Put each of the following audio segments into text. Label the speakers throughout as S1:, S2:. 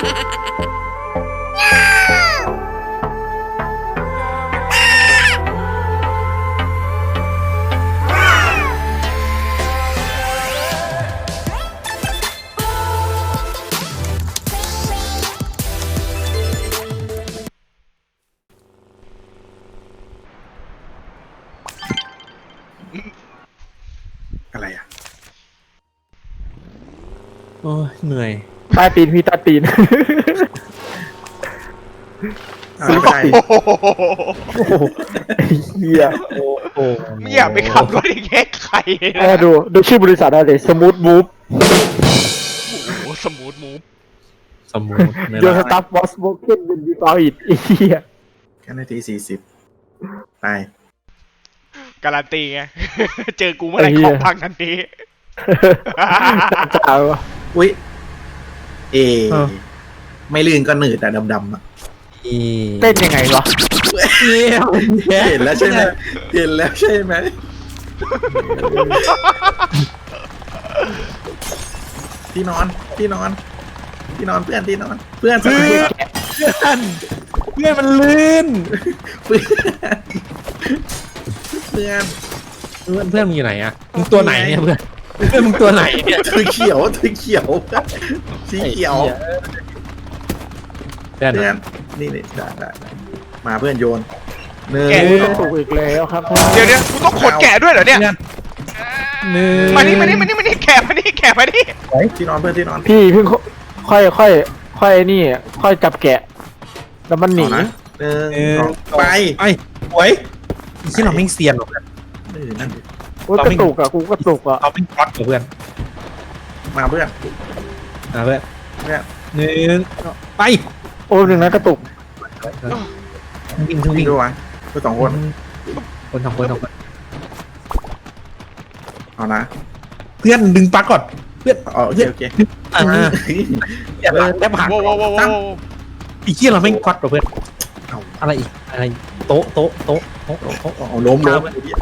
S1: อะไรอ่ะ
S2: โอ้ยเหนื่อย
S3: ใต้ตีนพี่ใต้ตีน
S1: ไม่ใช่
S3: โอ้โหไอ้เหี้ยโอ้โห
S4: ไม่อยากไปขับรถอีกแค่ใครนะ
S3: ดูชื่อบริษัทอะไรสมูทมูฟ
S4: โอ้โหสมูทมูฟ
S2: สมูทไม่
S3: โย
S2: ได้
S3: สตัฟวอสโบเกนเป็นดีฟออิดไอ้เหี้ย
S1: แค่นาที40ไป
S4: การันตีไง เจอกูเมื่อไหร่ของพังทันที
S3: จ้าวะ
S1: อุ้ยไม่ลื่นก็หนืดแต่ดำๆอ่ะ
S3: เต้นยังไงวะ
S1: เห็นแล้วใช่ไหมเห็นแล้วใช่ไหมที่นอนที่นอนที่นอนเพื่อนที่นอนเพื่อนสมัย
S2: เพื่อนมันลื่น
S1: เพื่อนเพื่อน
S2: เพื่อนมึงอยู่ไหนอะมึงตัวไหนเนี่ยเพื่อนมึงตัวไหนเนี่ย
S1: ถือเขียวถือเขียวสีเขียว
S2: เพื่อน
S1: เพื่อนนี่ได้มาเพื่อนโยนหนึ่ง
S4: แกะ
S3: ต้องถูกอีกแล้วครับ
S4: เดี๋ยวกูต้องขนแกะด้วยเหรอเนี่ย
S2: หนึ่ง
S4: มานี่แกะมานี่
S1: ที่นอนเพื่อนที่นอน
S3: พี่เพิ่งค่อยนี่ค่อยจับแกะ แล้วมันหนี
S1: เอานะหนึ่งสองไป
S2: ไอ้หวยที่เราไม่เซียนหรอกเพื่อน
S1: นั่นดิ
S3: โอ้ยกระตุกอ่ะกูกระตุกอ่ะ
S2: เราเป็นก๊อตกับเพื่อน
S1: มาเพื่อน
S2: นะเพื่อน
S1: เพื่อน
S2: หนึ่งไป
S3: โอ้ยหนึ่งนะกระตุก
S2: วิ่ง
S1: วิ่งดูวะเพื่อนสองคน
S2: คนสองคน
S1: เอานะ
S2: เพื่อนดึงปลั๊กก่อนเพื่อน
S1: โอเคโอเค
S2: อย่าแทบหัก
S4: โว้ว
S2: ไอ้เหี้ยเราไม่ก๊อตกับเพื่อนอะไรอีกอะไรโต๊ะ
S1: เอาล้มเ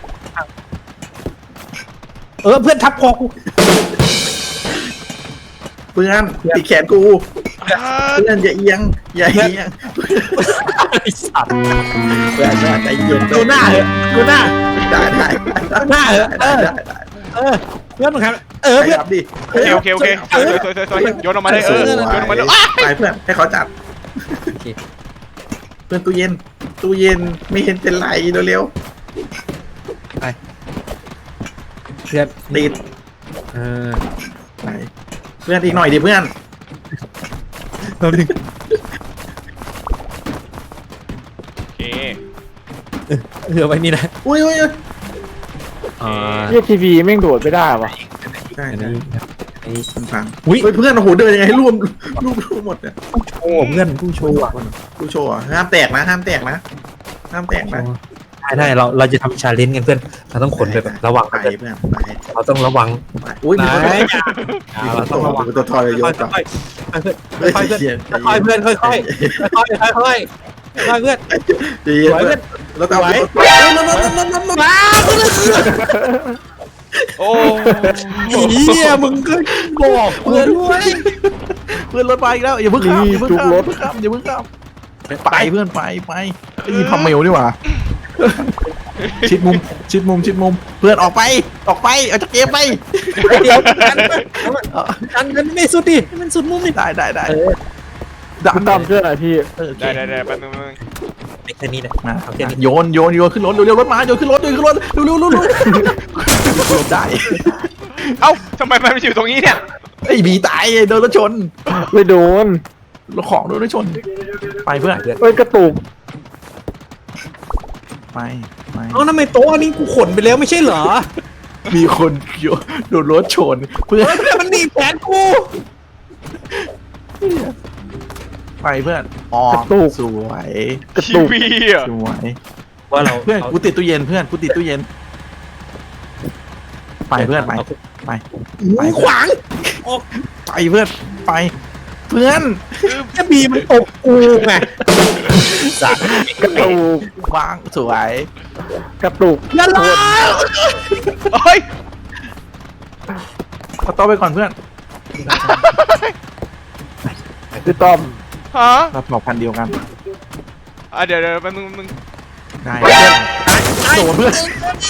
S2: พื่อนทับคอกู
S1: เพื่อนติดแขนกูเพื่อนอย่าเอียงอย่าเอียง
S2: ไอ้สัตว์
S1: เพื่อนใจเย็น
S2: ดูหน้าเหอะดูหน้า
S1: ได้
S2: หน้าเหอะเพื่อนมึงครับเพื่อน
S1: ขยับดิ
S4: โอเคสวยโยนออกมาเลยโยนออกมาเลย
S1: ไปเพื่อนให้เขาจับเพื่อนตู้เย็นไม่เห็นเป็นไรเร็ว
S2: เพื่อน
S1: ๆติด ไปเพื่อนอีกหน่อยดิเพื่อน
S2: เราดึง
S4: โอเค
S2: ไว้นี่นะ
S1: อุ้ย
S3: เรียกทีวีแม่งโดดไม่ได้วะ
S1: ได้
S2: อัน
S1: นะ
S2: นี้
S1: ฟัง
S2: อุ้ย
S1: เพื่อนโอ้โหเดินยังไงให้รวมหมดเนี่ย
S2: โอ้เพื่อนผู้โชว์อ่ะ
S1: กูโชว์ห้ามแตกนะห้ามแตกนะ
S2: ได้เราจะทำชาเลนจ์กันเพื่อนเราต้องขนไปแบบระวัง
S1: ไป
S2: กัน
S1: เพื่อนไป
S2: เราต้องระวัง
S1: อุ้ยมี
S2: ไหน
S1: คนโตมีคนโตทอยโยนก่อน
S2: ค่อยเพื่อนค่อยเพื่อน
S1: ดีเพื่อนแล้วตาม
S2: มา
S4: โอ้
S2: เหี้ยมึงก็บอกเพื่อนด้วย
S1: เพื่อนรถไปอีกแล้วอย่าเพิ่งข้ามอย่าเพิ่งข้ามไปเพื่อนไปยิงพัมเมลดีกว่าชิดมุมเพื่อนออกไปออกจากเกมไป
S2: เดี๋ยวกันไม่สุดดิมันสุดมุมนี่
S1: ได้
S3: คุณตามเพื่อนอะไรพี่
S4: ได้แป๊บนึง
S2: แค่นี้นะ
S1: มาโยนขึ้นรถเร็วรถมาโยนขึ้นรถเร็วได้
S4: เอ้าทำไมมันอยู่ตรงนี้เนี่ย
S1: ไอ้บีตายโดนรถชน
S3: ไม่โดน
S1: รถของโดนรถชนไปเพื่อน
S3: เอ้ยกระตุก
S1: ไป
S2: เอาทำไมโต๊ะนี้กูขนไปแล้วไม่ใช่เหรอ
S1: มีคนโดนรถชนเพื่อน
S2: มันหนีแผนกู
S1: ไปเพื่อนอ๋อสวย
S3: กระ
S4: ชี
S3: ตุก
S4: วีอ่ะ
S1: สวย
S2: ว่าเรา
S1: เพื่อนกูติดตู้เย็นเพื่อนกูติดตู้เย็นไปเพื่อนไป
S2: ขวาง
S1: ไปเพื่อนไปเพื่อน
S2: แค่บีมันตบกูไงสัตว์
S3: กระตุก
S1: วางสวย
S3: กระตุก
S2: อย่าล้า
S4: เฮ้ย
S1: เอาโต๊ะไปก่อนเพื่อน
S3: พี่ต้อม
S4: ฮะ
S1: เราบอกพันเดียวกัน
S4: เดี๋ยวแป๊บนึง
S1: ได้โดนเพื่อน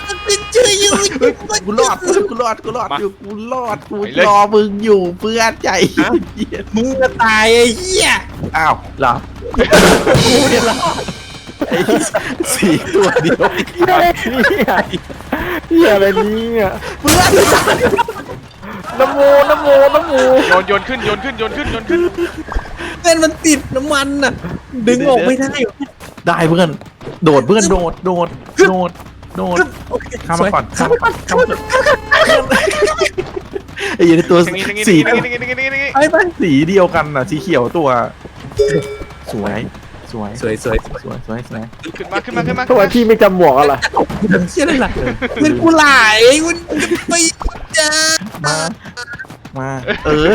S1: กูรอดกูรอดอยู่กูรอดกูรอมึงอยู่เพื่อนใจเย็น
S2: มึงจะตายไอ้เหี้ย
S1: อ้าวเหรอกูเนี่ยรอดไอ้สี่ตัวเดียว
S3: เฮียอะไรเนี่ยเฮียอะไรเนี่ย
S1: เพื่อน
S3: น้ำโม
S4: โยนขึ้น
S2: เส้นมันติดน้ำมันน่ะดึงออกไม่ได้
S1: ได้เพื่อนโดดเพื่อนโดดข้ามมาก่อนไอ้ยันตัว
S4: อย่างงี้
S1: สี
S2: ไป
S1: สีเดียวกันน่ะสีเขียวตัว สวย
S4: ขึ้นมา
S3: ทำไมพี่ไม่จำหมวกอะไร
S2: เชี่ยอะไรล่ะเงินกูไหลคุณจะไปจ้า
S1: มาเออ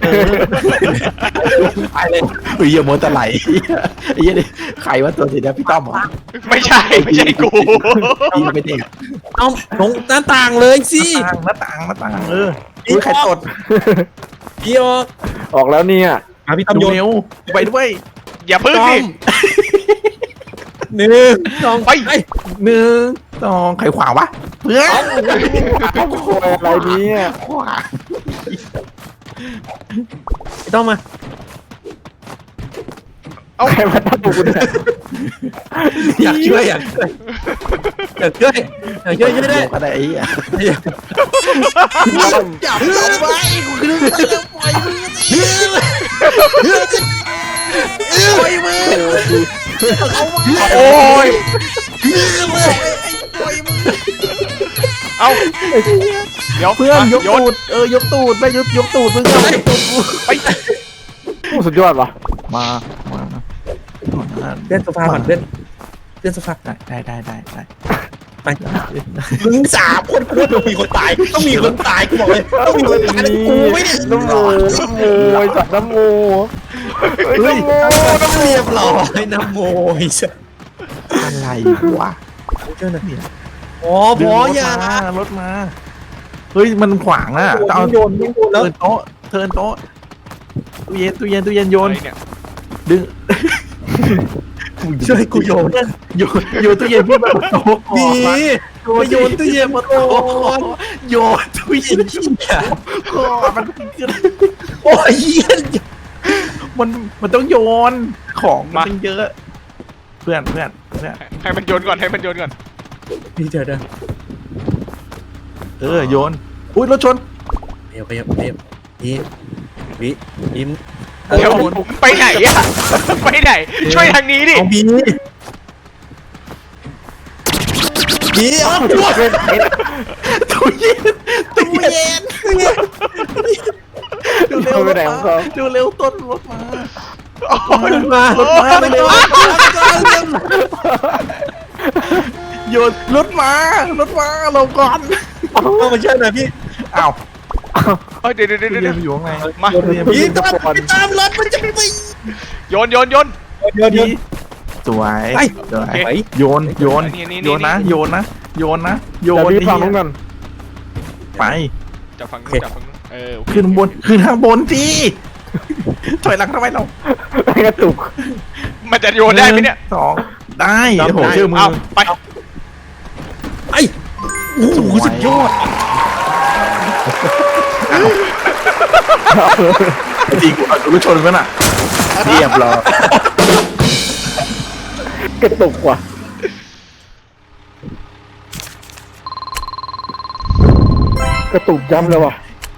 S2: ไปเลย
S1: เฮ้ยอย่าโมตะไหลไอ้ยันใครว่าตัวสีแดงพี่ต้อมเหรอ
S4: ไม่ใช่กู
S1: พี่ไม่เด็ก
S2: เอาลงหน้าต่างเลยสิ
S1: หน้าต่างเอออุ้ยใครตด
S2: พี่ออก
S3: ออกแล้วเนี่ย
S2: พี่ต้อม
S1: ดู
S2: โยน
S1: เร็วไปด้วย
S4: อย่าพึ่งดิ
S2: หนึ่งสอง
S4: ไป
S1: 1 2ใครขวางวะเพื่อน
S3: โวยอะไรเนี่ย
S1: ขวาง
S2: พี่ต้อมมา
S3: ใครมาตั้งกูเนี่ย
S2: อยากช่วยช่วยได้
S1: ก็ได้ไอ้เหี้ย
S3: ต้อม
S1: จับลงไปกูคือไปแล้วปล่อยมือปล่อยมือ
S4: โอ้ย
S1: ปล่อยมือ
S4: เอาเดี๋ยว
S1: เพื่อนยก
S4: โยน
S1: ตูดยกตูดไม่ยกตูดมึงเอายกตูดกู
S4: ไป
S3: โอ้สุดยอดว่ะ
S1: มา
S2: เล่นโซฟาก่อนเล่นโซฟา
S1: ได้
S2: ไปมึง3 คนกูต้องมีคนตายกูบอกเลยต้องมีคนตายกูไม่ได้
S3: น้ำโมไอ้สัตว์น้ำโม
S1: เฮ้ย
S2: เรียบร้อยนะโมย
S1: อะไรวะ
S2: เจ้าหน้าที่อ๋อพออย่าร
S1: ถมาเฮ้ยมันขวางอ่ะเอา
S2: โยนแล้ว
S1: เทิร์นโต๊ะตู้เย็นโยน
S4: อะไรเนี่ย
S1: ดึง
S2: ช่วยกูโยน
S1: โยนตู้เย็นพี่มาโต๊ะ
S2: ดีมาโยนตู้เย็นมาโต๊ะ
S1: โยนตู้เย็นก่อนมันขึ้น
S2: โอ้ยเหี้ย
S1: มันต้องโยนของมันต้องเยอะ เพื่อน
S4: ให้มันโยนก่อน
S2: พี่เจอเด้อ
S1: โยนอุ้ยรถชน
S2: เดี๋ยวยิ้ม
S4: เดี๋ยวไปไหนอะไปไหน ช่วยทางนี้ดิ
S2: เอาบีเอา
S1: ตู้เย็นดูเร็วดูเร็วต้นรถมา
S2: มา
S1: เร็วโยนรถมาลงก่อน
S2: เอามาช่วยหน่อยพี่
S1: อ้าว
S4: เดี๋ยว
S1: ตู้เย็นอยู่ข้างใน
S4: มา
S2: พี่ตามรถมันจะไป
S4: โยน
S2: เดี๋ยว
S1: สวย
S2: ไป
S1: โยนนะโยน
S3: เดี๋ยวพี่ฟังนู้นกัน
S1: ไป
S4: จับฝั่งนู้นโอเค
S1: ขึ้นทางบนสิถอยหลังทำไมเรา
S3: ไม่กระตุก
S4: มันจะโยนได้ไหมเนี่ย
S1: 2ได้โอ้โหเชื่อมือ
S4: เอาไป
S2: ไอ้โอ้โหสุดยอด
S1: จริงกูเอารถชนกันอ่ะเรียบร้อย
S3: กระตุกว่ะกระตุกย้ำเลยว่ะ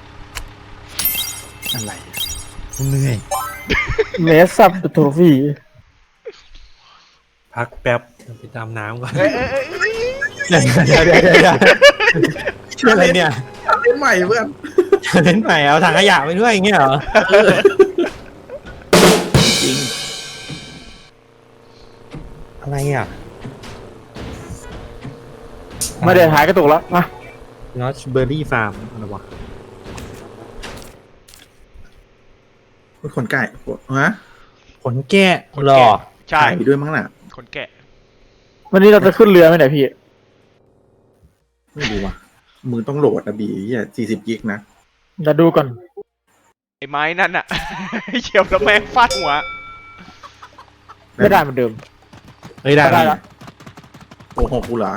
S1: อะไร
S2: เหนื่อย
S3: เมสซับโทฟี่
S2: พักแป๊บไปตามน้ำก่อน
S4: เอ้ย
S2: เดี๋ยวชื่ออะไรเนี่ย
S1: เล่นใหม่เพื่อน
S2: เล่นใหม่เอาถังขยะไปด้วยอย่างเงี้ยเหรอ
S1: จริง
S2: อะไรอ่ะ
S3: ไม่ได้หายกระตุกแล้วมา
S2: นอชเบอร์รี่ฟาร์มอะไรวะ
S1: คนไก่ฮะ
S2: ขนแกะหรอ
S4: ใช่
S1: ไก่ด้วยมั้งน่ะ
S4: คนแกะ
S3: วันนี้เราจะขึ้นเรือไหมเนี่ยพี่
S1: ไม่รู้ว่ะมือต้องโหลดนะบี40 กิกนะ
S3: จะดูก่อน
S4: ไอ้ไม้นั่นอะ เหยียบแล้วแม่งฟาดหัว
S3: ไม่ได้เหมือนเดิม
S2: เฮ้ยได้
S3: ได้
S2: แล้
S3: ละ
S2: ว
S1: โอ้โหกูเหรอ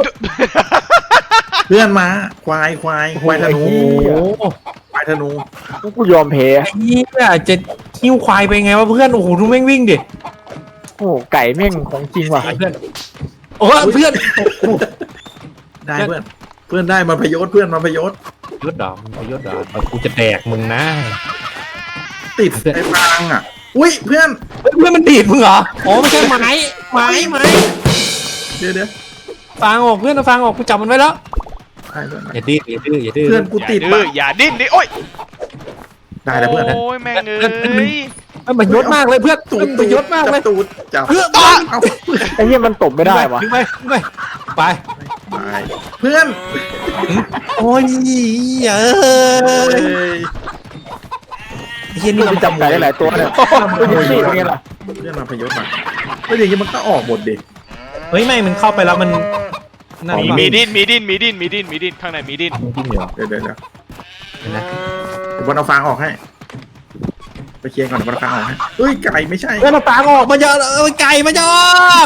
S1: เพื่อนมาควายธนู
S3: โอ้โห
S1: ควายธนู
S3: กูยอมแพ้
S2: ไอ้นี่จะหิ้วควายไปไงวะเพื่อนโอ้โหดูแม่งวิ่งดิ
S3: โอ้โหไก่แม่งของจริงว่ะ
S2: เพื่อนโอ้เพื่อน
S1: ได้เพื่อนได้มาพยศเพื่อนมาพยศ
S2: ยศดอกมึงเอายศดอกเอากูจะแดกมึงนะ
S1: ติดไอ้ฟางอ่ะอุ้ยเพื่อน
S2: เฮ้ยเพื่อนมันดีดมึงเหรออ๋อไม่ใช่ไม้
S1: เดี๋ยว
S2: ฟางออกเพื่อนเอาฟางออกกูจับมันไว้แล้ว
S1: ได้เพื่อน
S2: อย่าดื้ออย่าดื้ออย่าดื้อ
S1: เพื่อนกู
S4: อย่า
S1: ติด
S4: ดื้
S1: ปะ
S4: ออย่าดิ้นดิโอ้ย
S1: ได้แล้วเพื่อน
S4: โอ้ยแม่งเอ้ย
S2: มันยศมากเลยเพื่อน
S1: ตูด
S2: มันยศมากเลย
S1: ตูดจับ
S2: เพื่อน
S1: เอา
S3: ไอ้เหี้ยมันตบไม่ได้วะ
S2: ดึงไปไป
S1: ไปเพื่อน
S2: โอ้ยเอ้
S1: เฮ้
S2: ย
S1: ย
S2: เฮียนี่
S3: มัน
S2: มัน
S3: จำไก่ได้หลายตัวเนี่ยตัวนี้สิเป็นไงล่ะ
S1: เพื่อนมาพยศมาเฮ้ยอย่างนี้มันก็ออกหมดดิ
S2: เฮ้ยไม่มันเข้าไปแล้วมันนั่น
S4: มีดิ้นข้างในมีดิ้น
S1: จริงเหรอเดี๋ยว
S2: เห็นไหม
S1: เดี๋ยวบอลเอาฟางออกให้ไปเคลียร์ก่อนเดี๋ยวบอลเอาฟางออกให้เฮ้ยไก่ไม่ใช่
S2: เพื่อนเอาฟางออกมาเยอะไก่มาเยอะ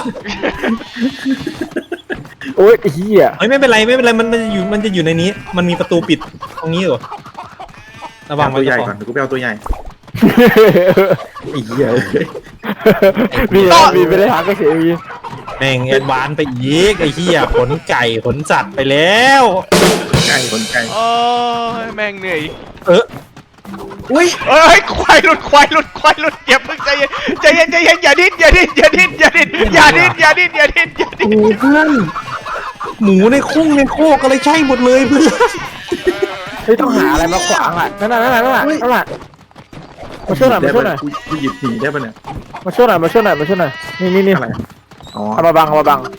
S3: โอ้ยไอ้เหี้ย
S2: เฮ้ยไม่เป็นไรมันจะอยู่ในนี้ มันมีประตูปิดตรงนี้อยู่ระวัง
S1: เอา
S2: ไว้
S1: ตัวใหญ่
S2: ก่
S1: ก่
S2: อ
S1: อน นเดี๋ยวกูไปเอาตัวใหญ่ไอ้เหี้ยเอ้ย
S3: มีไปได้หางก็เสียอี
S2: แม่งแอดวานซ์ไปอีกไอ้เหี้ยขนไก่ขนสัตว์ไปแล้ว
S1: ไก่คนไก่
S4: โอ้ยแม่งเหนื่อย
S1: อุ้ย
S4: เอ้ยควายหลุดอย่าเพิ่งใจเย็นอย่าดิ้น
S2: โอ้เพื่อนหมูในคุ้งในโคกอะไรใช่หมดเลยเพื่อน
S3: เฮ้ยต้องหาอะไรมาขวางอ่ะนั่นน่ะมาช่วยหน่อย
S1: ได้ปะกูหยิบหนีได้ปะเนี่ย
S3: มาช่วยหน่อยนี่
S1: อะไรอ๋อ
S3: เอามาบัง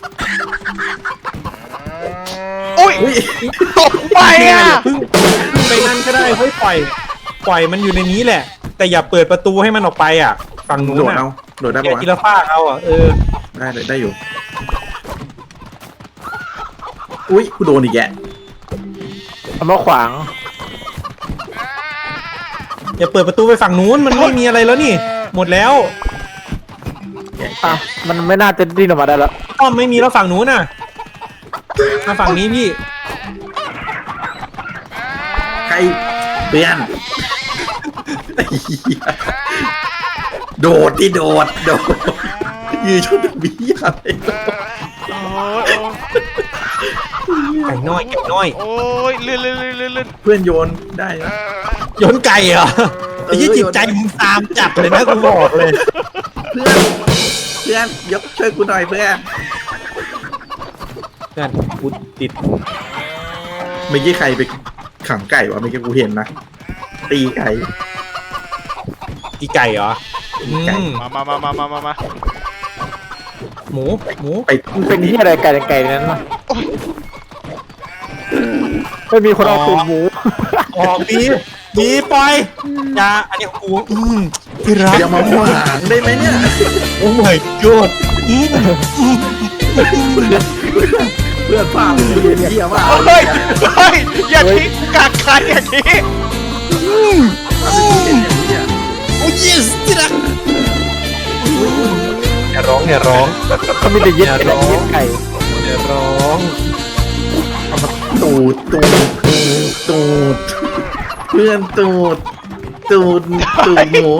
S4: อุ้ย
S1: อุ้ย
S4: ตกไปอ่ะ
S2: เพิ่งไปนั่นก็ได้เฮ้ยปล่อยมันอยู่ในนี้แหละ แต่อย่าเปิดประตูให้มันออกไปอ่ะฝั่งนู้น
S1: โดด
S2: อ่ะ
S1: เอาโดดได้
S2: อย่า
S1: ปะวะ
S2: ทีละฟากเอาอ่ะ
S1: ได้เลยได้อยู่อุ้ยกูโดนอีกแก
S3: เอามาขวาง
S2: อย่าเปิดประตูไปฝั่งนู้นมันไม่มีอะไรแล้วนี่ หมดแล้ว
S3: อ่ะมันไม่น่าจะดิ้นออกมาได้แล้ว
S2: อ้อมไม่มีแล้วฝั่งนู้นน่ะมาฝั่งนี้พี่
S1: ใครเพื่อนไอ้เหี้ยโดดยืนชุดบีอะไร
S2: ไก่น้อย
S4: โอ้ยเลื่อน
S1: เพื่อนโยนได้นะ
S2: โยนไก่เหรอไอ้ยี่จิตใจมึงตามจับเลยนะกูบอกเลย
S1: เพื่อนยกช่วยกูหน่อยเพื่อน
S2: เพื่อนกูติด
S1: เมื่อกี้ใครไปขังไก่วะเมื่อกี้กูเห็นนะตีไก่
S2: อีไก่เหรออืม
S4: มา
S2: หมู
S1: ไป
S3: มันเป็นที่อะไรไก่นั้นน่ะไม่มีคนเอาตุ่มหมู
S2: อ๋อมีปล่อยอย่าอันนี้ของกูที่รัก
S1: อย่ามาขวางได้ไหมเนี่ย
S2: โอ้ my god
S1: เพื่อนพาไปเยี่ยมมาก
S4: เฮ้ยอย่าทิ้งกักใครอย่างนี้
S2: โอ้ yes ที่รักอย่าร้อง
S3: เขามีแต่เย็ด
S2: อย่า
S3: ไก่
S2: ร้อง
S3: เย็ดไก่
S2: อย่าร้อง
S1: ตูดเพื่อนตูดหมู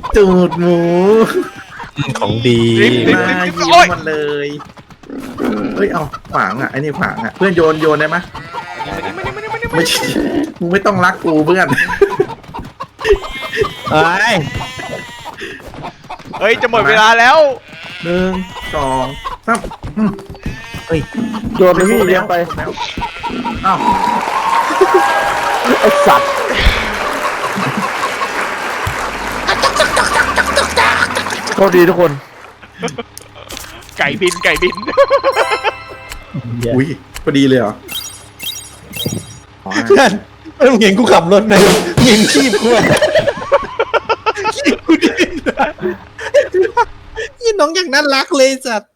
S2: ของดี
S1: มายิ้มมันเลยเฮ้ยเอาขวางอ่ะไอ้นี่ขวางอ่ะเพื่อนโยนได้ไหมไม่ใช่มึงไม่ต้องรักกูเพื่อน
S4: เฮ้ยจะหมดเวลาแล้ว
S1: 1 2 3
S3: โยนไปพี่เลี้ยงไป
S1: อ้าว
S3: ไอ้สัตว์โชคดีทุกคน
S4: ไก่บิน
S1: อุ้ยพอดีเลยเหรออ๋อ
S2: เพื่อนมึงเห็นกูขับรถไหมเห็นขี้กูอ่ะขี้กูดิ้นยี่น้องอย่างน่ารักเลยสัตว์